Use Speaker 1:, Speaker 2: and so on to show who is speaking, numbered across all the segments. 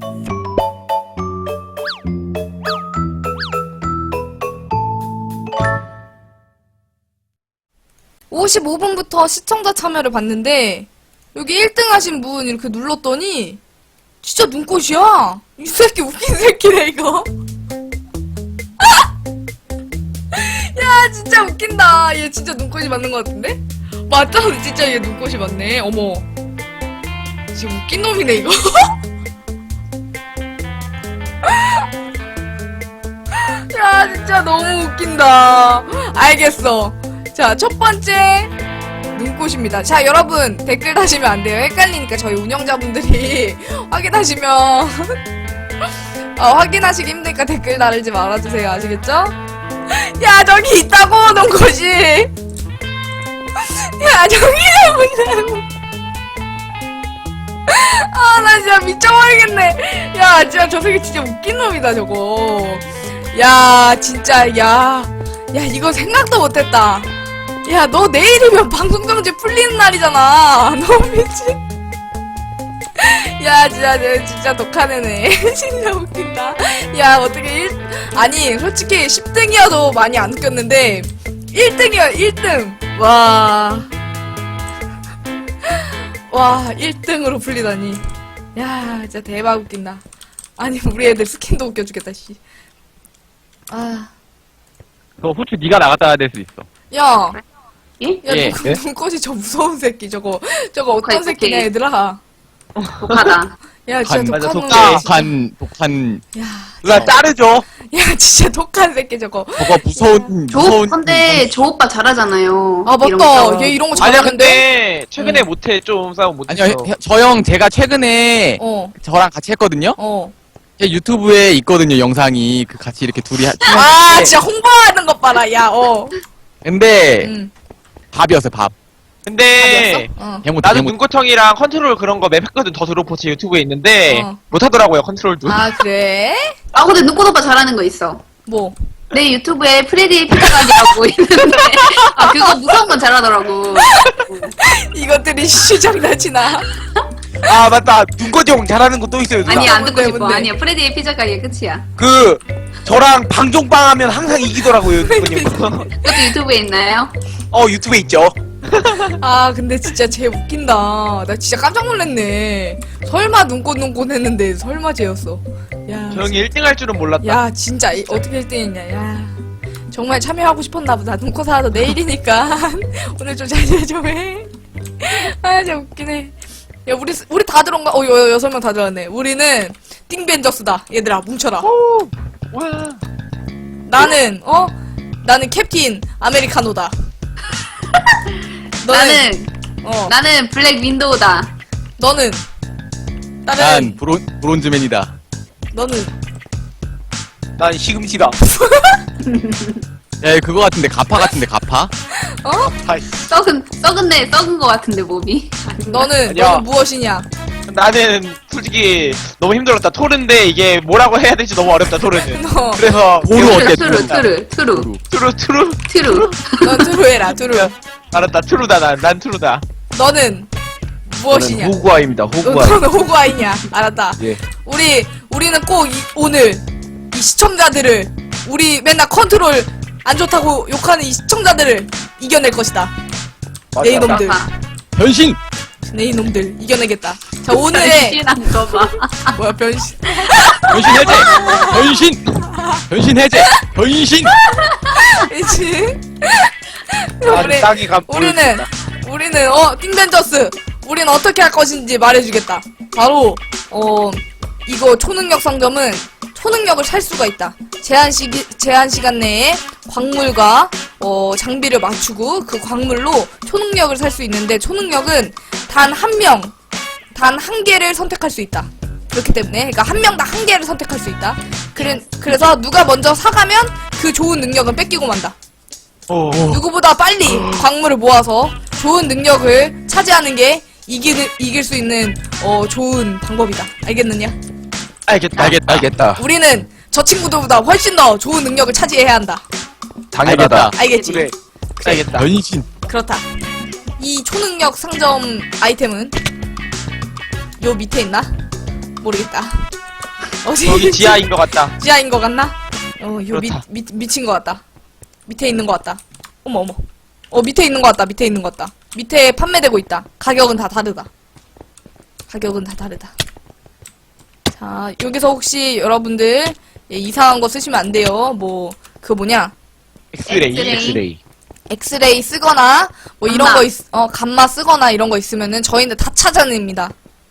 Speaker 1: (55분부터) 시청자 참여를 봤는데 여기 1등 하신 분 이렇게 눌렀더니 진짜 눈꽃이야. 이 새끼 웃긴 새끼네 이거. 야 진짜 웃긴다. 얘 진짜 눈꽃이 맞는 것 같은데? 맞다. 진짜 얘 눈꽃이 맞네. 어머 진짜 웃긴 놈이네 이거. 야 진짜 너무 웃긴다. 알겠어. 자, 첫 번째 눈꽃입니다. 자, 여러분 댓글 다시면 안 돼요. 헷갈리니까 저희 운영자분들이 확인하시면 확인하시기 힘드니까 댓글 달지 말아주세요. 아시겠죠? 야, 저기 있다고 눈꽃이. 야, 저기 보자고. 아, 나 진짜 미쳐버리겠네. 야, 진짜 저 새끼 진짜 웃긴 놈이다 저거. 야, 진짜 야, 이거 생각도 못했다. 야, 너 내일이면 방송정지 풀리는 날이잖아. 너무 미친. 야, 진짜 독한 애네. 진짜 웃긴다. 야, 어떻게 아니, 솔직히 10등이어도 많이 안 웃겼는데, 1등이야, 1등. 와, 1등으로 풀리다니. 야, 진짜 대박 웃긴다. 아니, 우리 애들 스킨도 웃겨주겠다, 씨. 아.
Speaker 2: 너 후추 네가 나갔다 될 수 있어.
Speaker 1: 야.
Speaker 3: 예?
Speaker 1: 야,
Speaker 2: 예.
Speaker 1: 눈꽃이 저 무서운 새끼, 저거 어떤 새끼냐, 얘들아.
Speaker 3: 독하다.
Speaker 1: 야, 진짜
Speaker 2: 맞아,
Speaker 1: 독한
Speaker 4: 독한.
Speaker 1: 야,
Speaker 4: 누가 자르죠?
Speaker 1: 야, 진짜 독한 새끼, 저거.
Speaker 4: 저거 무서운.
Speaker 3: 근데 저 오빠 잘하잖아요.
Speaker 1: 아,
Speaker 3: 이런 거
Speaker 1: 맞다.
Speaker 3: 싸움.
Speaker 1: 얘 이런 거
Speaker 5: 아니야
Speaker 1: 잘하는데?
Speaker 5: 근데 최근에 못해 좀 싸움 못했어.
Speaker 4: 아니요, 저 형 제가 최근에 저랑 같이 했거든요. 제 유튜브에 있거든요, 영상이. 그 같이 이렇게 둘이
Speaker 1: 아, 진짜 홍보하는 것 봐라, 야,
Speaker 4: 근데 밥이었어요, 밥.
Speaker 5: 근데
Speaker 4: 개못
Speaker 5: 나는 눈꽃형이랑 컨트롤 그런 거 맵 했거든. 더 드롭포츠 유튜브에 있는데 못하더라고요 컨트롤도.
Speaker 1: 아, 그래?
Speaker 3: 아 근데 눈꽃 오빠 잘하는 거 있어.
Speaker 1: 뭐?
Speaker 3: 내 유튜브에 프레디 피자가게라고 있는데 아 그거 무서운 건 잘하더라고.
Speaker 1: 이것들이 시장난치나.
Speaker 4: 아, 맞다. 눈꽃이 형 잘하는 거 또 있어요, 누나.
Speaker 3: 아니 안 듣고
Speaker 1: 뭔데,
Speaker 3: 싶어.
Speaker 1: 뭔데?
Speaker 3: 아니야 프레디의 피자가게 끝이야.
Speaker 4: 저랑 방종빵 하면 항상 이기더라고요, 눈꽃이 형.
Speaker 3: 그것도 유튜브에 있나요?
Speaker 4: 유튜브에 있죠.
Speaker 1: 아, 근데 진짜 쟤 웃긴다. 나 진짜 깜짝 놀랐네. 설마 눈꽃 했는데 설마 쟤였어. 야.
Speaker 5: 저 형이 1등 할 줄은 몰랐다.
Speaker 1: 야, 진짜 어떻게 1등했냐. 야. 정말 참여하고 싶었나 보다. 눈꽃 하나도 내일이니까 오늘 좀 자제 좀 해. 아, 진짜 웃기네. 야, 우리 다 들어온가? 6명 다 들어왔네. 우리는 띵벤저스다. 얘들아, 뭉쳐라.
Speaker 5: 와.
Speaker 1: 나는 캡틴 아메리카노다.
Speaker 3: 나는 블랙 윈도우다.
Speaker 1: 너는
Speaker 4: 난 브론즈맨이다.
Speaker 1: 너는
Speaker 4: 난 시금치다. 야, 그거 같은데, 가파 같은데, 가파?
Speaker 3: 썩은 거 같은데 몸이.
Speaker 1: 너는
Speaker 5: 야.
Speaker 1: 너는 무엇이냐?
Speaker 5: 나는 솔직히 너무 힘들었다. 토르인데 이게 뭐라고 해야 될지 너무 어렵다. 토르는.
Speaker 1: 너
Speaker 5: 그래서
Speaker 4: 보루 어때?
Speaker 3: 트루.
Speaker 5: 트루.
Speaker 1: 넌 트루해라, 트루.
Speaker 5: 알았다. 트루다. 난 트루다.
Speaker 1: 너는 무엇이냐?
Speaker 4: 호구아입니다, 호구아.
Speaker 1: 너는 호구아이냐? 알았다.
Speaker 4: 예.
Speaker 1: 우리는 꼭 오늘 이 시청자들을 우리 맨날 컨트롤 안 좋다고 욕하는 이 시청자들을 이겨낼 것이다. 내 이놈들,
Speaker 4: 변신!
Speaker 1: 내 이놈들 이겨내겠다. 자, 오늘의
Speaker 3: 변신한 거 봐.
Speaker 1: 뭐야 변신?
Speaker 4: 변신 해제! 변신! 변신 해제! 변신!
Speaker 1: 그치?
Speaker 5: 아주 딱이 감.
Speaker 1: 우리는 띵벤저스. 우리는 어떻게 할 것인지 말해주겠다. 바로 이거 초능력 상점은 초능력을 살 수가 있다. 제한 시간 내에 광물과 장비를 맞추고 그 광물로 초능력을 살 수 있는데 초능력은 단 한 개를 선택할 수 있다. 그렇기 때문에 그러니까 한 명당 한 개를 선택할 수 있다. 그래서 누가 먼저 사가면 그 좋은 능력은 뺏기고 만다. 누구보다 빨리 광물을 모아서 좋은 능력을 차지하는 게 이길 수 있는 좋은 방법이다. 알겠느냐?
Speaker 4: 알겠다.
Speaker 1: 우리는 저 친구들보다 훨씬 더 좋은 능력을 차지해야 한다.
Speaker 4: 당연하다.
Speaker 1: 알겠지?
Speaker 5: 그래. 알겠다.
Speaker 4: 변신.
Speaker 1: 그렇다. 이 초능력 상점 아이템은 요 밑에 있나? 모르겠다. 어디
Speaker 5: 여기 지하인 것 같다.
Speaker 1: 지하인 것 같나? 이거
Speaker 5: 그렇다.
Speaker 1: 미친 것 같다. 밑에 있는 것 같다. 어머. 밑에 있는 것 같다. 밑에 있는 것 같다. 밑에 판매되고 있다. 가격은 다 다르다. 자, 여기서 혹시 여러분들 이상한 거 쓰시면 안 돼요.
Speaker 5: 엑스레이.
Speaker 1: 엑스레이 쓰거나 이런 거 감마 쓰거나 이런 거 있으면은 저희는 다 찾아냅니다.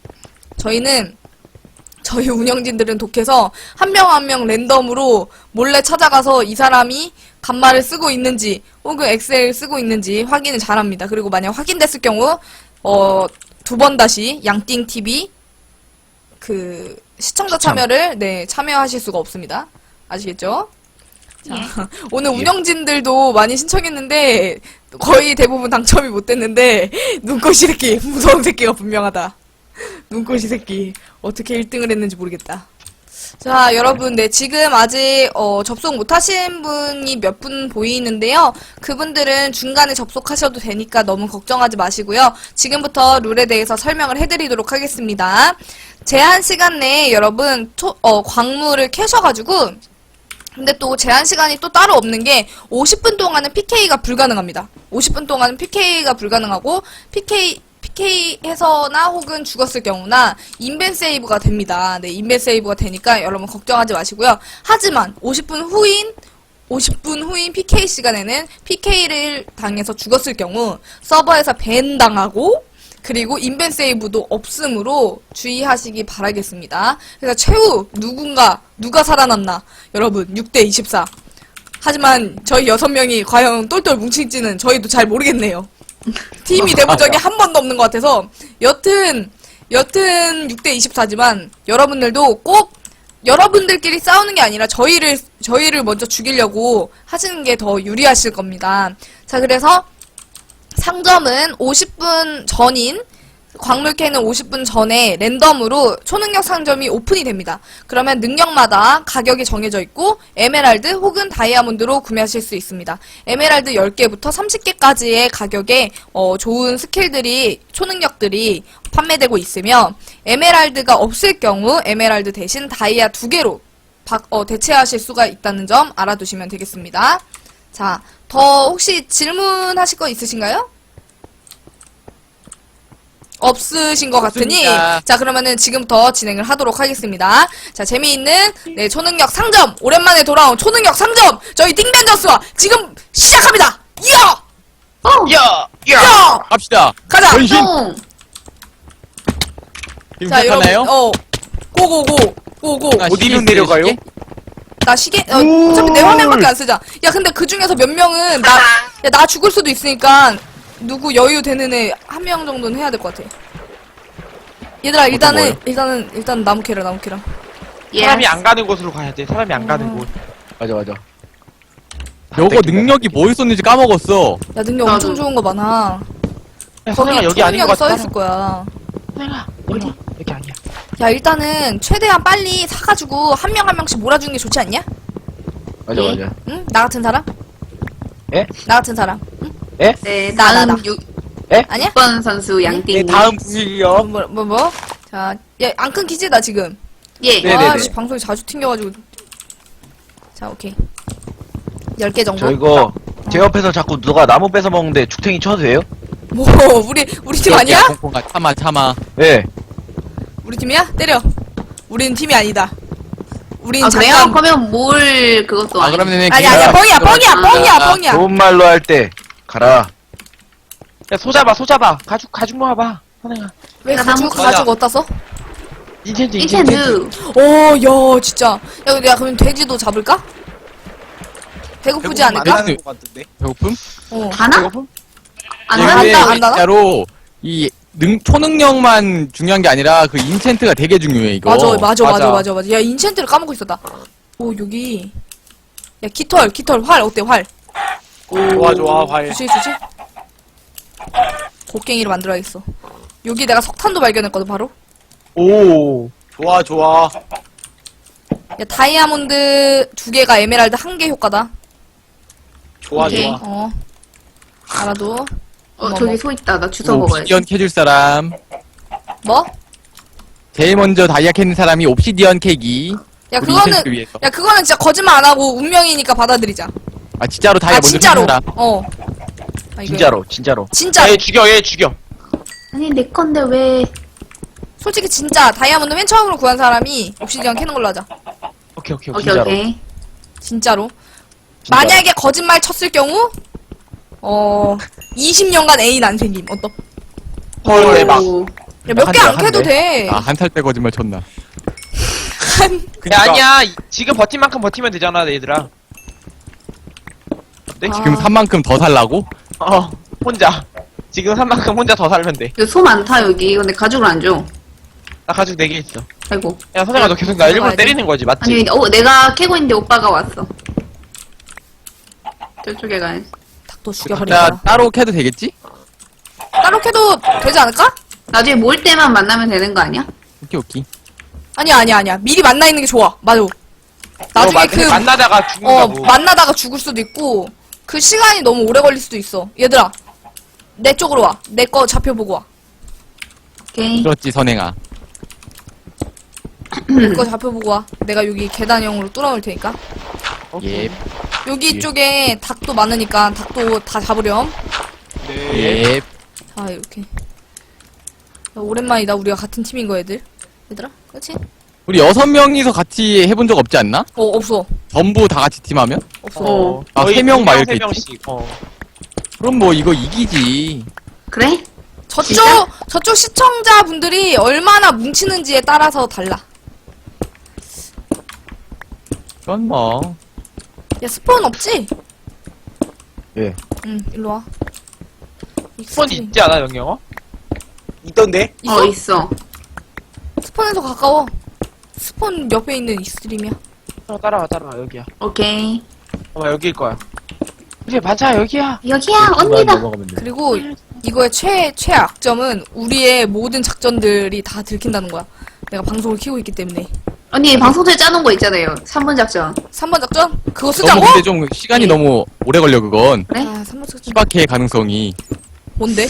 Speaker 1: 저희 운영진들은 독해서 한 명 한 명 랜덤으로 몰래 찾아가서 이 사람이 감마를 쓰고 있는지 혹은 엑셀 쓰고 있는지 확인을 잘합니다. 그리고 만약 확인됐을 경우 2번 다시 양띵TV 시청자 참여를 참여하실 수가 없습니다. 아시겠죠? 자, 오늘 운영진들도 많이 신청했는데 거의 대부분 당첨이 못 됐는데 눈꽃이 새끼 무서운 새끼가 분명하다. 눈꽃이 새끼 어떻게 1등을 했는지 모르겠다. 자, 여러분, 지금 아직 접속 못하신 분이 몇 분 보이는데요. 그분들은 중간에 접속하셔도 되니까 너무 걱정하지 마시고요. 지금부터 룰에 대해서 설명을 해드리도록 하겠습니다. 제한 시간 내에 여러분 광물을 캐셔가지고 근데 또 제한 시간이 또 따로 없는 게 50분 동안은 PK가 불가능합니다. 50분 동안은 PK가 불가능하고 PK 해서나 혹은 죽었을 경우나 인벤 세이브가 됩니다. 인벤 세이브가 되니까 여러분 걱정하지 마시고요. 하지만 50분 후인 PK 시간에는 PK를 당해서 죽었을 경우 서버에서 밴 당하고 그리고 인벤 세이브도 없으므로 주의하시기 바라겠습니다. 그래서 최후 누가 살아남나 여러분 6대24 하지만 저희 6명이 과연 똘똘 뭉칠지는 저희도 잘 모르겠네요. 팀이 돼본 적이 한 번도 없는 것 같아서 여튼 6대24지만 여러분들도 꼭 여러분들끼리 싸우는 게 아니라 저희를 먼저 죽이려고 하시는 게 더 유리하실 겁니다. 자, 그래서 상점은 50분 전인 광물 캐는 50분 전에 랜덤으로 초능력 상점이 오픈이 됩니다. 그러면 능력마다 가격이 정해져 있고 에메랄드 혹은 다이아몬드로 구매하실 수 있습니다. 에메랄드 10개부터 30개까지의 가격에 좋은 스킬들이 초능력들이 판매되고 있으며 에메랄드가 없을 경우 에메랄드 대신 다이아 2개로 대체하실 수가 있다는 점 알아두시면 되겠습니다. 자, 더 혹시 질문하실 거 있으신가요? 없으신 것 같으니
Speaker 4: 없습니다.
Speaker 1: 자, 그러면은 지금부터 진행을 하도록 하겠습니다. 자, 재미있는 초능력 상점 오랜만에 돌아온 초능력 상점 저희 띵벤저스와 지금 시작합니다.
Speaker 5: 야!
Speaker 4: 갑시다.
Speaker 1: 가자.
Speaker 4: 변신.
Speaker 3: 똥.
Speaker 4: 지금
Speaker 1: 자,
Speaker 4: 시작하나요?
Speaker 1: 여러분 고고.
Speaker 4: 아,
Speaker 5: 어디로
Speaker 4: 시계
Speaker 5: 내려가요?
Speaker 4: 시계?
Speaker 1: 나 시계 어차피 내 화면밖에 안 쓰자. 야, 근데 그 중에서 몇 명은 나 죽을 수도 있으니까 누구 여유 되는 애 한 명 정도는 해야 될 것 같아. 얘들아, 일단 나무 캐라.
Speaker 3: 예.
Speaker 5: 사람이 안 가는 곳으로 가야 돼. 사람이 안 가는 곳.
Speaker 4: 맞아. 요거 능력이 뭐 있었는지 까먹었어.
Speaker 1: 야, 능력
Speaker 3: 나도.
Speaker 1: 엄청 좋은 거 많아.
Speaker 5: 야,
Speaker 1: 거기
Speaker 5: 선생아, 여기 아닌 것
Speaker 1: 초능력이
Speaker 5: 같아.
Speaker 1: 써있을 거야.
Speaker 5: 선생아, 어디? 여기 아니야.
Speaker 1: 야, 일단은 최대한 빨리 사가지고 한 명 한 명씩 몰아주는 게 좋지 않냐?
Speaker 4: 맞아.
Speaker 1: 응? 나 같은 사람?
Speaker 5: 예?
Speaker 1: 나 같은 사람?
Speaker 3: 네,
Speaker 1: 나.
Speaker 3: 다음
Speaker 1: 아니야?
Speaker 3: 6번 선수 양띵.
Speaker 5: 다음 부실이요.
Speaker 1: 뭐? 자, 야, 안 끊기지? 나 지금.
Speaker 3: 예.
Speaker 5: 네네네.
Speaker 1: 아, 씨, 방송이 자주 튕겨가지고. 자, 오케이. 10개 정도?
Speaker 6: 저 이거 제 옆에서 자꾸 누가 나무 뺏어 먹는데 죽탱이 쳐도 돼요?
Speaker 1: 뭐, 우리 팀 아니야?
Speaker 4: 참아.
Speaker 6: 예.
Speaker 1: 우리 팀이야? 때려. 우리는 팀이 아니다. 우린
Speaker 3: 아, 그래요?
Speaker 1: 잠깐.
Speaker 3: 그러면 뭘 그것도
Speaker 4: 아,
Speaker 3: 아니.
Speaker 4: 그러면은
Speaker 1: 아니야, 뻥이야.
Speaker 6: 좋은 말로 할 때 가라.
Speaker 5: 야, 소잡아. 가죽 모아봐. 선생아.
Speaker 1: 왜
Speaker 3: 나
Speaker 1: 가지고
Speaker 3: 나무
Speaker 1: 어디다 써?
Speaker 3: 인텐드.
Speaker 1: 오, 야, 진짜. 야, 그럼 돼지도 잡을까? 배고프지 않을까?
Speaker 4: 배고픔?
Speaker 3: 가나? 안
Speaker 4: 이게
Speaker 3: 한다.
Speaker 1: 안 나나?
Speaker 4: 진짜로 이 초능력만 중요한 게 아니라 그 인챈트가 되게 중요해 이거.
Speaker 1: 맞아. 야, 인챈트를 까먹고 있었다. 오, 여기. 야, 깃털, 활, 어때, 활?
Speaker 5: 좋아, 과일.
Speaker 1: 주지? 곡괭이로 만들어야겠어. 여기 내가 석탄도 발견했거든, 바로.
Speaker 5: 오. 좋아.
Speaker 1: 야, 다이아몬드 2개가 에메랄드 1개 효과다.
Speaker 3: 오케이.
Speaker 1: 알아도.
Speaker 3: 저기 소 있다. 나 주워 먹어야지.
Speaker 4: 옵시디언 캐줄 사람.
Speaker 1: 뭐?
Speaker 4: 제일 먼저 다이아 캐는 사람이 옵시디언 캐기.
Speaker 1: 야,
Speaker 4: 우리
Speaker 1: 그거는,
Speaker 4: 인생을 위해서.
Speaker 1: 야, 그거는 진짜 거짓말 안 하고 운명이니까 받아들이자.
Speaker 4: 아 진짜로 다이아
Speaker 1: 아,
Speaker 4: 먼저
Speaker 1: 진짜로.
Speaker 4: 줍니다.
Speaker 1: 아, 이거
Speaker 6: 진짜로 진짜로.
Speaker 1: 진짜.
Speaker 5: 얘 죽여 얘 죽여.
Speaker 3: 아니, 내 건데 왜.
Speaker 1: 솔직히 진짜 다이아몬드 맨 처음으로 구한 사람이 옵시디언 캐는 걸로 하자.
Speaker 5: 오케이 오케이
Speaker 3: 오케이,
Speaker 6: 진짜로.
Speaker 3: 오케이.
Speaker 1: 진짜로.
Speaker 6: 진짜로.
Speaker 1: 만약에 거짓말 쳤을 경우, 20년간 애인 안 생김. 어떠?
Speaker 5: 헐 대박.
Speaker 3: 오.
Speaker 1: 야, 몇 개 안
Speaker 6: 한 대,
Speaker 1: 캐도
Speaker 6: 한 대.
Speaker 1: 돼.
Speaker 4: 아 한 살 때 거짓말 쳤나?
Speaker 5: 야 아니야 지금 버틴 만큼 버티면 되잖아 얘들아. 어때?
Speaker 1: 아.
Speaker 4: 지금 산 만큼 더 살라고?
Speaker 5: 혼자 지금 산 만큼 혼자 더 살면 돼.
Speaker 3: 여기 소 많다, 여기. 근데 가죽을 안 줘.
Speaker 5: 나 가죽 4개 있어.
Speaker 3: 아이고.
Speaker 5: 야 선생아 너 계속 나 일부러
Speaker 1: 가야지.
Speaker 5: 때리는 거지 맞지?
Speaker 3: 아니, 내가 캐고 있는데 오빠가 왔어. 저쪽에 가야지.
Speaker 1: 닭도
Speaker 4: 자
Speaker 1: 죽여버리자.
Speaker 4: 따로 캐도 되겠지?
Speaker 1: 따로 캐도 되지 않을까?
Speaker 3: 나중에 모일 때만 만나면 되는 거 아니야?
Speaker 4: 오케이 오케이.
Speaker 1: 아니야. 미리 만나 있는 게 좋아. 맞아. 나중에
Speaker 5: 만나다가 죽는다고.
Speaker 1: 만나다가 죽을 수도 있고, 그 시간이 너무 오래 걸릴 수도 있어. 얘들아, 내 쪽으로 와. 내 거 잡혀보고 와.
Speaker 3: 오케이.
Speaker 4: 그렇지 선행아.
Speaker 1: 내 거 잡혀보고 와. 내가 여기 계단형으로 뚫어놓을 테니까.
Speaker 4: 예.
Speaker 1: 여기 쪽에 닭도 많으니까 닭도 다 잡으렴.
Speaker 5: 네.
Speaker 4: 예.
Speaker 1: 자, 이렇게. 야, 오랜만이다. 우리가 같은 팀인 거, 얘들아? 그렇지?
Speaker 4: 우리 6명이서 같이 해본 적 없지 않나?
Speaker 1: 없어.
Speaker 4: 전부 다 같이 팀하면?
Speaker 1: 없어.
Speaker 4: 아,
Speaker 5: 거의
Speaker 4: 3명 막
Speaker 5: 세
Speaker 4: 이렇게
Speaker 5: 명씩.
Speaker 4: 그럼 뭐 이거 이기지.
Speaker 3: 그래?
Speaker 1: 저쪽 시청자분들이 얼마나 뭉치는지에 따라서 달라.
Speaker 4: 그건 뭐.
Speaker 1: 야, 스폰 없지?
Speaker 6: 예.
Speaker 1: 응, 일로 와.
Speaker 5: 스폰 있지 않아 영영어?
Speaker 7: 있던데?
Speaker 1: 있어?
Speaker 3: 있어.
Speaker 1: 스폰에서 가까워. 스폰 옆에 있는 익스트림이야.
Speaker 5: 따라와 여기야.
Speaker 3: 오케이.
Speaker 5: 여기일 거야. 그래 맞아 여기야.
Speaker 3: 여기야, 언니다.
Speaker 6: 넘어가면 돼.
Speaker 1: 그리고 이거의 최악점은 우리의 모든 작전들이 다 들킨다는 거야. 내가 방송을 키고 있기 때문에.
Speaker 3: 언니, 방송 전에 짜놓은 거 있잖아요. 3분 작전.
Speaker 1: 3번 작전? 그거 쓰자고?
Speaker 4: 너무 근데 좀 시간이 너무 오래 걸려 그건.
Speaker 3: 그래?
Speaker 1: 아, 3번 작전.
Speaker 4: 희박해 가능성이.
Speaker 1: 뭔데?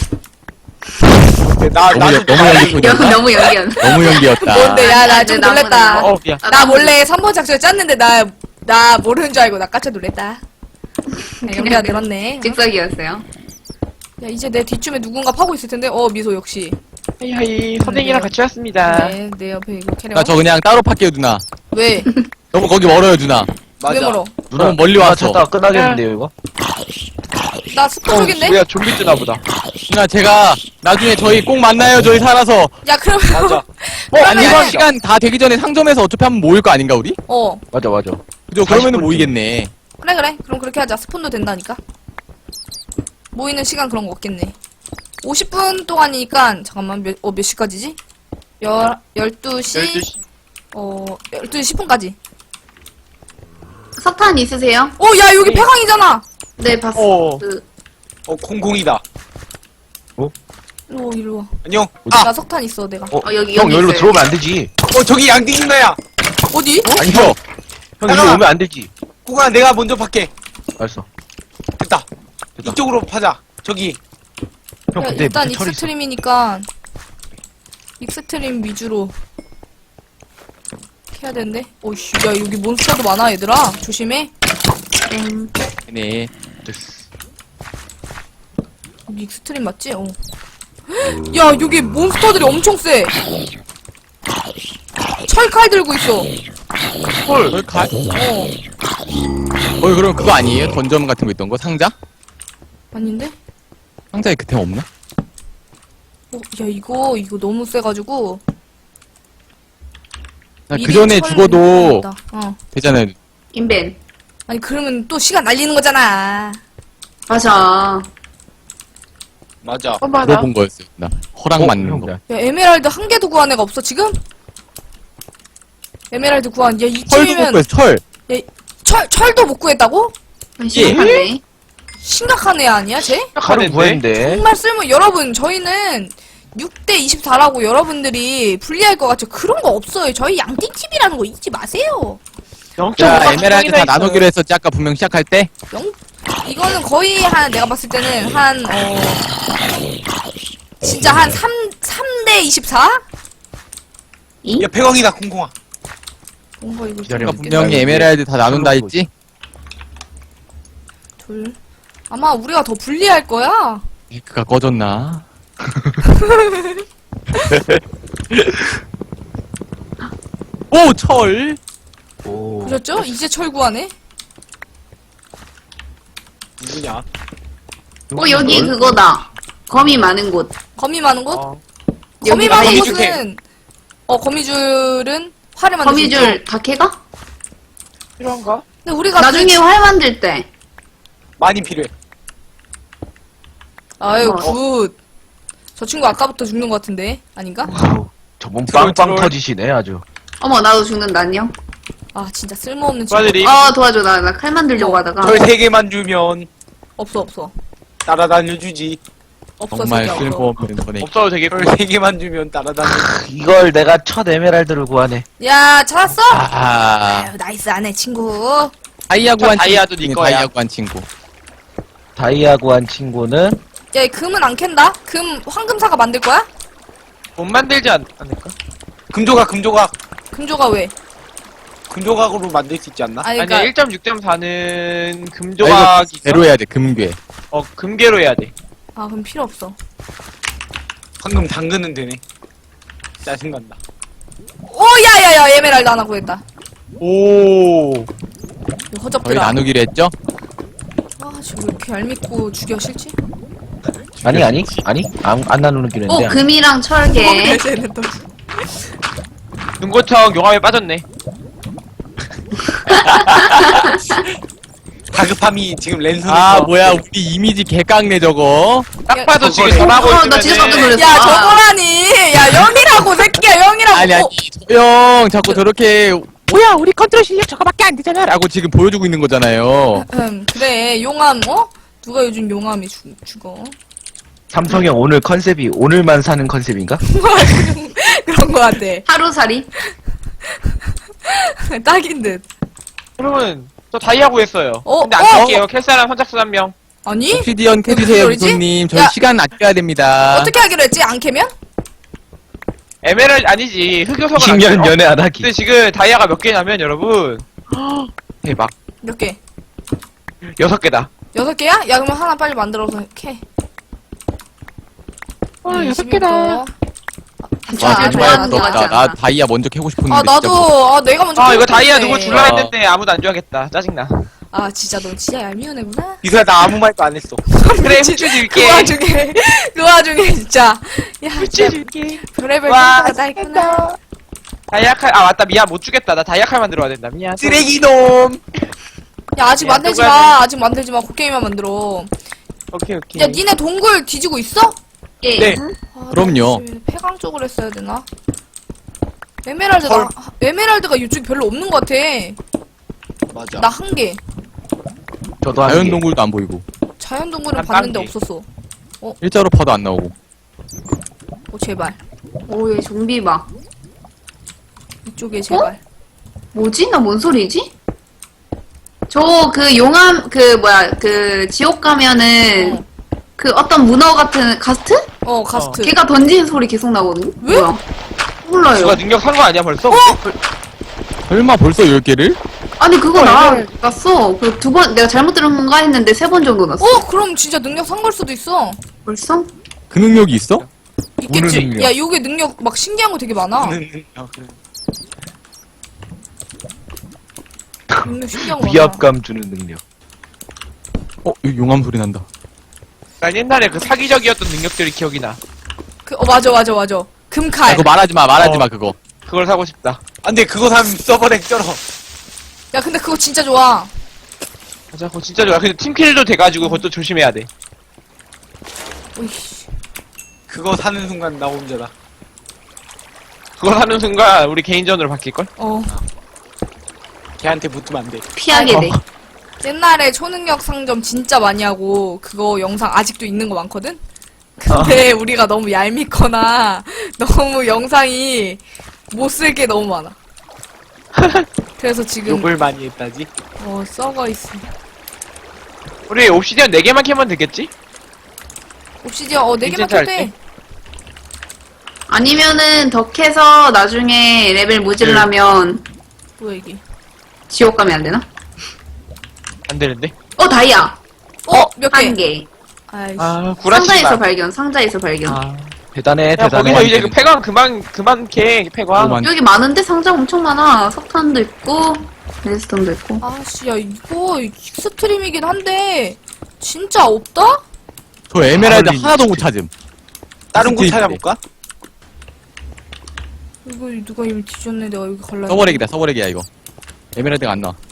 Speaker 7: 나,
Speaker 4: 너무
Speaker 7: 나도
Speaker 4: 너무 연기였나?
Speaker 3: 너무 연기한.
Speaker 4: 너무 연기였다.
Speaker 1: 뭔데? 야, 나
Speaker 3: 아,
Speaker 1: 좀
Speaker 3: 네,
Speaker 1: 놀랬다.
Speaker 3: 나무네.
Speaker 5: 미안.
Speaker 1: 나 몰래 3번 작전 짰는데 나 모르는 줄 알고 나 깜짝 놀랬다. 연기가 늘었네.
Speaker 3: 즉석이었어요.
Speaker 1: 야, 이제 내 뒷쯤에 누군가 파고 있을 텐데. 미소 역시.
Speaker 5: 하이 선생이랑 같이 왔습니다.
Speaker 1: 네, 내 옆에 이거 캐려.
Speaker 4: 나 저 그냥 따로 팔게요 누나.
Speaker 1: 왜?
Speaker 4: 너무 거기 멀어요 누나.
Speaker 1: 왜 멀어?
Speaker 6: 누나
Speaker 4: 너무 멀리
Speaker 6: 누나
Speaker 4: 왔어.
Speaker 6: 찾다가 끝나겠는데요 이거?
Speaker 1: 나 스폰 쪽인데?
Speaker 5: 우리가 좀비 뜨나 보다.
Speaker 4: 누나 제가 나중에 저희 꼭 만나요 저희 살아서.
Speaker 1: 야, 그러면.
Speaker 7: 맞아.
Speaker 4: 아니
Speaker 1: 그러면은-
Speaker 4: 시간 다 되기 전에 상점에서 어차피 한번 모일 거 아닌가 우리?
Speaker 6: 맞아.
Speaker 4: 그죠? 그러면은 모이겠네.
Speaker 1: 그래. 그럼 그렇게 하자. 스폰도 된다니까. 모이는 시간 그런 거 없겠네. 50분 동안이니까, 잠깐만, 몇 시까지지? 12시? 12시 10분까지.
Speaker 3: 석탄 있으세요?
Speaker 1: 야, 여기 폐광이잖아!
Speaker 3: 네, 봤어.
Speaker 5: 오.
Speaker 7: 공공이다.
Speaker 1: 일로 와.
Speaker 7: 안녕.
Speaker 1: 나 석탄 있어, 내가.
Speaker 3: 여기
Speaker 6: 형 여기로
Speaker 3: 있어요.
Speaker 6: 들어오면 안 되지.
Speaker 7: 저기 양띵 누나야.
Speaker 1: 어디?
Speaker 4: 아니죠?
Speaker 6: 형 이리로
Speaker 7: 잠깐만.
Speaker 6: 오면 안 되지.
Speaker 7: 구가 내가 먼저 팔게.
Speaker 6: 알았어.
Speaker 7: 됐다.
Speaker 6: 됐다.
Speaker 7: 이쪽으로 파자. 저기.
Speaker 6: 형
Speaker 1: 야,
Speaker 6: 근데
Speaker 1: 일단
Speaker 6: 밑에 철이 있어.
Speaker 1: 익스트림이니까, 익스트림 위주로 해야 되는데? 오이씨, 야, 여기 몬스터도 많아, 얘들아. 조심해.
Speaker 3: 땡.
Speaker 4: 네.
Speaker 1: 여기 익스트림 맞지? 야, 여기 몬스터들이 엄청 세. 철칼 들고 있어.
Speaker 4: 헐. 가. 그럼 그거 아니에요? 던전 같은 거 있던 거 상자?
Speaker 1: 아닌데?
Speaker 4: 상자에 그템 없나?
Speaker 1: 야, 이거 너무 세가지고.
Speaker 4: 그 전에
Speaker 1: 철
Speaker 4: 죽어도
Speaker 1: 있다.
Speaker 4: 되잖아요.
Speaker 3: 인벤.
Speaker 1: 아니, 그러면 또 시간 날리는 거잖아.
Speaker 3: 맞아.
Speaker 7: 맞아.
Speaker 4: 물어본 거였어요. 나 허락 맞는
Speaker 6: 형,
Speaker 4: 거.
Speaker 1: 야, 에메랄드 한 개도 구한 애가 없어, 지금? 에메랄드 구한, 야,
Speaker 4: 철도
Speaker 1: 이쯤이면,
Speaker 4: 못 철.
Speaker 1: 철도 못 구했다고?
Speaker 3: 심각한데.
Speaker 1: 심각한 애 아니야, 쟤?
Speaker 6: 하루 구했는데.
Speaker 1: 정말 여러분, 저희는 6대 24라고 여러분들이 불리할 것 같죠? 그런 거 없어요. 저희 양띵TV라는 거 잊지 마세요.
Speaker 4: 야 에메랄드 다 나누기로 했었지 아까 분명 시작할 때.
Speaker 1: 이거는 거의 내가 봤을 때는 진짜 한 3대 24?
Speaker 7: 야, 백왕이다, 공공아.
Speaker 1: 뭔가 이거
Speaker 6: 기다려.
Speaker 4: 그러니까 분명히 에메랄드 다 나눈다 했지?
Speaker 1: 둘. 아마 우리가 더 불리할 거야.
Speaker 4: 그가 꺼졌나? 오, 철!
Speaker 6: 오.
Speaker 1: 보셨죠? 이제 철구하네.
Speaker 7: 누구냐?
Speaker 3: 여기 그거다. 거미 많은 곳.
Speaker 1: 거미 많은 곳?
Speaker 3: 여기
Speaker 1: 거미 많은
Speaker 7: 거미줄
Speaker 1: 곳은 거미줄은 활을 만들 수 있죠.
Speaker 3: 거미줄 다 캐가?
Speaker 7: 필요한가?
Speaker 1: 근데 우리가
Speaker 3: 나중에 활 만들 때.
Speaker 7: 많이 필요해.
Speaker 1: 아유
Speaker 3: 어.
Speaker 1: 굿. 저 친구 아까부터 죽는 것 같은데 아닌가?
Speaker 6: 아우, 저분
Speaker 7: 트롤,
Speaker 6: 빵빵
Speaker 7: 트롤.
Speaker 6: 터지시네 아주.
Speaker 3: 어머, 나도 죽는다, 안녕.
Speaker 1: 아 진짜 쓸모없는 친구.
Speaker 5: 도와드림.
Speaker 3: 도와줘. 나 칼 만들려고 하다가.
Speaker 7: 절 3개만 주면
Speaker 1: 없어.
Speaker 7: 따라다녀주지.
Speaker 1: 없어
Speaker 4: 정말
Speaker 1: 진짜 없어.
Speaker 4: 쓸모없는 선행.
Speaker 5: 없어도 되겠고.
Speaker 7: 절 3개만 주면 따라다녀주지.
Speaker 6: 이걸 내가 첫 에메랄드를 구하네.
Speaker 1: 야 찾았어?
Speaker 4: 아,
Speaker 1: 아유 나이스 안해 친구.
Speaker 4: 다이아 구한
Speaker 5: 다이아도
Speaker 4: 친구.
Speaker 5: 네 거야.
Speaker 4: 다이아 구한 친구.
Speaker 6: 다이아 구한 친구는
Speaker 1: 야, 이 금은 안 캔다? 황금사가 만들 거야?
Speaker 5: 못 만들지 않을까?
Speaker 7: 금조각.
Speaker 1: 금조가 왜?
Speaker 7: 금조각으로 만들 수 있지 않나?
Speaker 1: 아니,
Speaker 5: 아니야,
Speaker 1: 그니까,
Speaker 5: 1.6.4는
Speaker 4: 아,
Speaker 5: 금조각이
Speaker 4: 이거 배로 해야 돼, 금괴.
Speaker 5: 금괴로 해야 돼.
Speaker 1: 그럼 필요 없어.
Speaker 7: 방금 당근은 되네. 짜증난다.
Speaker 1: 오, 야야야, 에메랄드 하나 구했다.
Speaker 5: 오.
Speaker 1: 이거
Speaker 4: 거의
Speaker 1: 허접들아.
Speaker 4: 나누기로 했죠?
Speaker 1: 지금 왜 이렇게 얄밉고 죽여 싫지?
Speaker 6: 아니 안 나누는 길인데.
Speaker 3: 금이랑 철개.
Speaker 1: 쟤는 또.
Speaker 5: 눈고청 용암에 빠졌네.
Speaker 7: 다급함이 지금 랜선에서.
Speaker 4: 아, 뭐야, 우리 이미지 개깡네, 저거.
Speaker 5: 딱 봐도 지금
Speaker 6: 저거네.
Speaker 5: 전화하고
Speaker 3: 나 진짜 깜짝
Speaker 5: 있으면은
Speaker 3: 놀랐어.
Speaker 1: 야, 저거라니! 야, 0이라고, 새끼야, 0이라고!
Speaker 4: 아니, 형, 자꾸 저렇게, 뭐야, 우리 컨트롤 실력 저거밖에 안 되잖아. 라고 지금 보여주고 있는 거잖아요.
Speaker 1: 그래, 용암, 누가 요즘 용암이 죽어?
Speaker 6: 삼성형 오늘 컨셉이 오늘만 사는 컨셉인가?
Speaker 1: 그런 거 같아.
Speaker 3: 하루살이.
Speaker 1: 딱인 듯.
Speaker 5: 여러분 저 다이아 구했어요. 근데 안
Speaker 1: 어?
Speaker 5: 쓸게요. 캘사람 선착순 한 명.
Speaker 1: 아니?
Speaker 4: 옵시디언 캐주세요,
Speaker 1: 소리지?
Speaker 4: 부소님. 저희
Speaker 1: 야.
Speaker 4: 시간 아껴야 됩니다.
Speaker 1: 어떻게 하기로 했지? 안 캐면?
Speaker 5: 에메랄드 아니지. 흑요석은
Speaker 6: 10년
Speaker 5: 아니에요.
Speaker 6: 연애 안 하기.
Speaker 5: 근데 지금 다이아가 몇 개냐면 여러분 대박
Speaker 1: 몇 개?
Speaker 5: 6개다.
Speaker 1: 6개야? 야, 그러면 하나 빨리 만들어서 캐.
Speaker 5: 6개다.
Speaker 4: 와,
Speaker 3: 자,
Speaker 4: 정말
Speaker 3: 좋아하는 거
Speaker 4: 부럽다.
Speaker 3: 같지
Speaker 4: 나
Speaker 3: 않아?
Speaker 4: 다이아 먼저 캐고 싶었는데.
Speaker 1: 아,
Speaker 4: 진짜
Speaker 1: 나도, 내가 먼저.
Speaker 5: 이거
Speaker 1: 캐고
Speaker 5: 다이아
Speaker 1: 싶은데.
Speaker 5: 누구 줄라
Speaker 4: 아.
Speaker 5: 했는데 아무도 안 좋아하겠다. 짜증나.
Speaker 1: 진짜 너 진짜 얄미운 애구나.
Speaker 7: 이소야, 나 아무 말도 안 했어.
Speaker 5: 그래 후추 줄게.
Speaker 1: 그 와중에 진짜. 야,
Speaker 5: 후추 줄게.
Speaker 1: 별의별
Speaker 5: 와,
Speaker 1: 생각가 다 있구나.
Speaker 5: 다이아 칼 맞다 미안 못 주겠다. 나 다이아 칼 만들어야 된다. 미안.
Speaker 7: 쓰레기놈!
Speaker 1: 야, 아직
Speaker 5: 야,
Speaker 1: 만들지
Speaker 5: 누가
Speaker 1: 마. 아직 만들지 마. 곡괭이만 만들어.
Speaker 5: 오케이.
Speaker 1: 야, 니네 동굴 뒤지고 있어?
Speaker 3: 예.
Speaker 5: 네.
Speaker 4: 그럼요.
Speaker 1: 나 폐광 쪽으로 했어야 되나? 에메랄드가 이쪽에 별로 없는 것 같아.
Speaker 7: 맞아.
Speaker 1: 나 한 개.
Speaker 6: 저도 한
Speaker 4: 자연
Speaker 6: 개.
Speaker 4: 동굴도 안 보이고.
Speaker 1: 자연 동굴은
Speaker 5: 난
Speaker 1: 봤는데
Speaker 5: 딴 개.
Speaker 1: 없었어.
Speaker 4: 일자로 파도 안 나오고.
Speaker 1: 제발.
Speaker 3: 오, 얘 좀비 봐.
Speaker 1: 이쪽에 제발.
Speaker 3: 뭐지? 나 뭔 소리지? 용암, 지옥 가면은, 어떤 문어 같은, 가스트?
Speaker 1: 가스트.
Speaker 3: 걔가 던지는 소리 계속 나거든요?
Speaker 1: 왜?
Speaker 3: 뭐야? 몰라요.
Speaker 5: 누가 능력 산 거 아니야 벌써?
Speaker 4: 설마 벌써 10개를?
Speaker 3: 아니, 그거 났어. 내가 잘못 들은 건가 했는데 3번 정도 났어.
Speaker 1: 그럼 진짜 능력 산 걸 수도 있어.
Speaker 3: 벌써?
Speaker 4: 그 능력이 있어?
Speaker 1: 있겠지.
Speaker 6: 능력.
Speaker 1: 야, 요게 능력 막 신기한 거 되게 많아. 능력 신기한 거 많아.
Speaker 6: 위압감 주는 능력.
Speaker 4: 여기 용암 소리 난다.
Speaker 5: 난 옛날에 그 사기적이었던 능력들이 기억이 나.
Speaker 1: 맞아. 금칼.
Speaker 4: 그거 말하지 마, 그거.
Speaker 5: 그걸 사고 싶다.
Speaker 7: 안 돼, 그거 사면 서버렉 쩔어.
Speaker 1: 야, 근데 그거 진짜 좋아.
Speaker 5: 맞아, 그거 진짜 좋아. 근데 팀킬도 돼가지고 그것도 조심해야 돼.
Speaker 1: 오이씨.
Speaker 7: 그거 사는 순간 나 혼자다.
Speaker 5: 그걸 하는 순간 우리 개인전으로 바뀔걸?
Speaker 7: 걔한테 붙으면 안 돼.
Speaker 3: 피하게 돼.
Speaker 1: 옛날에 초능력 상점 진짜 많이 하고 그거 영상 아직도 있는 거 많거든? 근데 우리가 너무 얄밉거나 너무 영상이 못 쓸 게 너무 많아. 그래서 지금
Speaker 7: 욕을 많이 했다지?
Speaker 1: 썩어 있어.
Speaker 5: 우리 옵시디언 4개만 캐면 되겠지?
Speaker 1: 옵시디언 4개만
Speaker 5: 인챈트 할
Speaker 1: 켜도 돼.
Speaker 5: 때?
Speaker 3: 아니면은 더 캐서 나중에 레벨 모질라면
Speaker 1: 뭐야 이게?
Speaker 3: 지옥 가면 안 되나?
Speaker 5: 안 되는데?
Speaker 3: 다이아.
Speaker 1: 몇 개?
Speaker 3: 한 개.
Speaker 1: 아이씨.
Speaker 5: 아, 구라치지
Speaker 3: 상자에서
Speaker 5: 마.
Speaker 3: 발견, 상자에서 발견.
Speaker 5: 아.
Speaker 6: 대단해,
Speaker 5: 야,
Speaker 6: 대단해.
Speaker 5: 거기서 이제 그 폐광 그만 캐, 폐광.
Speaker 4: 너무 많-
Speaker 3: 여기 많은데 상자 엄청 많아. 석탄도 있고, 레스톤도 있고.
Speaker 1: 아씨, 야 이거 익스트림이긴 한데 진짜 없다?
Speaker 4: 저 에메랄드
Speaker 6: 아울린
Speaker 4: 하나도 못 찾음.
Speaker 7: 다른 곳
Speaker 4: 스테이크.
Speaker 7: 찾아볼까?
Speaker 1: 이거 누가 이미 뒤졌네. 내가 여기 갈라.
Speaker 4: 서버렉이다, 서버렉이야, 이거. 에메랄드가 안 나와.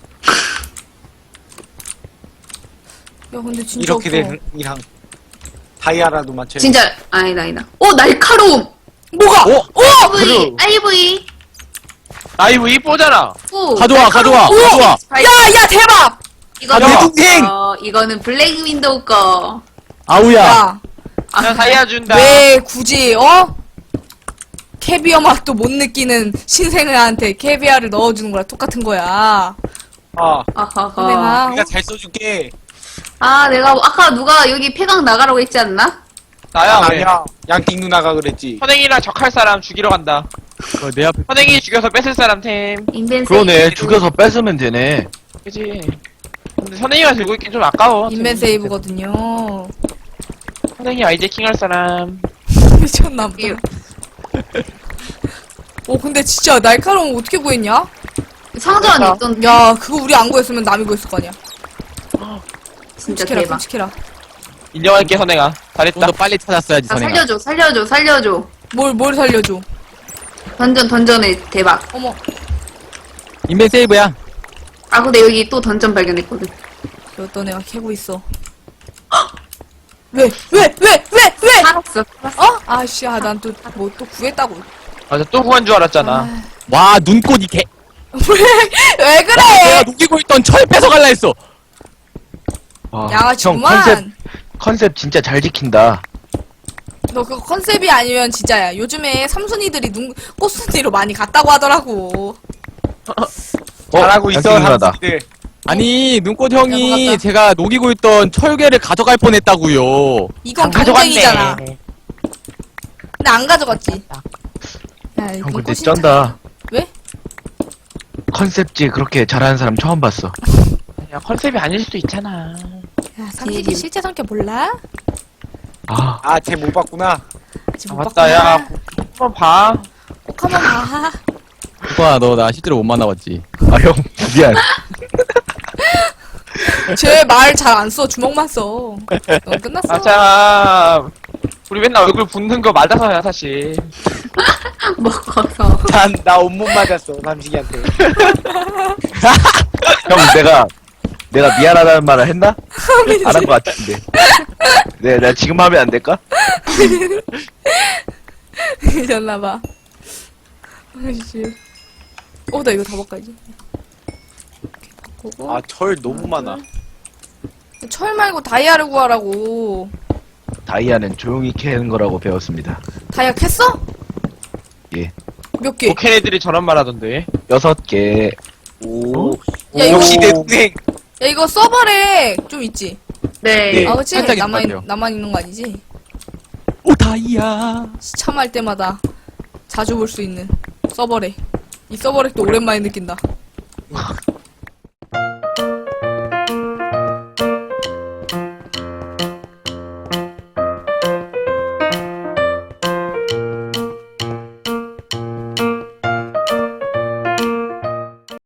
Speaker 1: 야 근데 진짜
Speaker 7: 이렇게
Speaker 1: 없어.
Speaker 7: 된 이랑 다이아라도 맞춰야
Speaker 3: 진짜, 아니다. 날카로움!
Speaker 1: 뭐가?
Speaker 3: IV, IV.
Speaker 5: 아이고, 이쁘잖아.
Speaker 3: 오,
Speaker 4: 가져와, 가져와, 가져와.
Speaker 1: 야야 대박!
Speaker 3: 이거는,
Speaker 4: 내 동생!
Speaker 3: 이거는 블랙 윈도우 거.
Speaker 4: 아우야.
Speaker 1: 야
Speaker 5: 나 다이아 준다.
Speaker 1: 왜 굳이 캐비어 맛도 못 느끼는 신생아한테 캐비어를 넣어주는 거랑 똑같은 거야.
Speaker 7: 아,
Speaker 3: 아하하.
Speaker 1: 선생아.
Speaker 7: 내가 잘 써줄게.
Speaker 3: 내가 아까 누가 여기 폐광 나가라고 했지 않나?
Speaker 5: 나야, 왜?
Speaker 7: 아니야. 양띵 누나가 그랬지.
Speaker 5: 선행이랑 적할 사람 죽이러 간다.
Speaker 4: 내 앞에.
Speaker 5: 선행이 죽여서 뺏을 사람 템.
Speaker 3: 인벤
Speaker 6: 그러네, 죽여서 뺏으면 되네.
Speaker 5: 그지? 근데 선행이가 들고 있긴 좀 아까워.
Speaker 1: 인벤 세이브거든요.
Speaker 5: 선행이 아이제킹 할 사람.
Speaker 1: 미쳤나 보다. 근데 진짜 날카로움 어떻게 구했냐?
Speaker 3: 상자 안에 있던
Speaker 1: 야 그거 우리 안 구했으면 남이 구했을 거 아니야.
Speaker 3: 진짜
Speaker 1: 끔찍해라
Speaker 3: 대박.
Speaker 1: 끔찍해라.
Speaker 5: 인정할게, 선행아.
Speaker 4: 좀
Speaker 5: 잘했다.
Speaker 4: 더 빨리 찾았어야지,
Speaker 3: 아,
Speaker 4: 선행아.
Speaker 3: 살려줘.
Speaker 1: 뭘 살려줘.
Speaker 3: 던전의 대박.
Speaker 1: 어머.
Speaker 4: 인벤 세이브야.
Speaker 3: 근데 여기 또 던전 발견했거든.
Speaker 1: 어떤 애가 캐고 있어. 왜?
Speaker 3: 살았어.
Speaker 1: 아씨, 난 또 뭐 또 구했다고.
Speaker 5: 맞아, 또 구한 줄 알았잖아.
Speaker 4: 와, 눈꽃 이 개.
Speaker 1: 왜 그래?
Speaker 4: 내가 녹이고 있던 철 뺏어갈라 했어.
Speaker 6: 와, 형
Speaker 1: 양아치구만.
Speaker 6: 컨셉 진짜 잘 지킨다.
Speaker 1: 너 그거 컨셉이 아니면 진짜야. 요즘에 삼순이들이 꽃순이로 많이 갔다고 하더라고.
Speaker 7: 잘하고 있어,
Speaker 6: 양띵 누나다.
Speaker 7: 삼촌들.
Speaker 4: 아니, 눈꽃
Speaker 1: 야,
Speaker 4: 형이
Speaker 1: 먹었다.
Speaker 4: 제가 녹이고 있던 철괴를 가져갈 뻔했다고요.
Speaker 1: 이건 경쟁이잖아. 근데 안 가져갔지. 야,
Speaker 6: 형
Speaker 1: 이건
Speaker 6: 근데
Speaker 1: 꽃이-
Speaker 6: 쩐다.
Speaker 1: 왜?
Speaker 6: 컨셉지 그렇게 잘하는 사람 처음 봤어.
Speaker 5: 야, 컨셉이 아닐 수도 있잖아.
Speaker 1: 야, 삼식이 실제 성격 몰라?
Speaker 6: 아,
Speaker 7: 쟤 못 봤구나.
Speaker 1: 아직
Speaker 5: 아,
Speaker 1: 못
Speaker 5: 맞다,
Speaker 1: 봤구나.
Speaker 5: 야. 한번 봐.
Speaker 1: 꼭 한번 봐.
Speaker 4: 오빠, 너 나 실제로 못 만나봤지?
Speaker 6: 형, 미안.
Speaker 1: 쟤 말 잘 안 써. 주먹만 써. 넌 끝났어.
Speaker 5: 아, 참. 우리 맨날 얼굴 붓는 거 맞아서야, 사실.
Speaker 3: 먹어서.
Speaker 7: 나 온몸 맞았어, 삼식이한테.
Speaker 6: 형, 내가 미안하다는 말을 했나? 안 한 것 같은데. 내가 지금 하면 안 될까?
Speaker 1: 미쳤나봐. 아이씨. 나 이거 다 바꿔야지. 이렇게 바꾸고.
Speaker 7: 철 너무 많아.
Speaker 1: 철 말고 다이아를 구하라고.
Speaker 6: 다이아는 조용히 캐는 거라고 배웠습니다.
Speaker 1: 다이아 캤어?
Speaker 6: 예.
Speaker 1: 몇 개?
Speaker 5: 독해 애들이 저런 말 하던데.
Speaker 6: 6개.
Speaker 7: 오.
Speaker 1: 야, 이거-
Speaker 7: 역시 내 동생.
Speaker 1: 야, 이거 서버렉 좀 있지?
Speaker 3: 네.
Speaker 6: 네.
Speaker 1: 그치?
Speaker 4: 살짝 있을 것 같아요.
Speaker 1: 나만 있는 거 아니지?
Speaker 4: 오, 다이아.
Speaker 1: 시참할 때마다 자주 볼 수 있는 서버렉. 이 서버렉도 오랜만에 느낀다.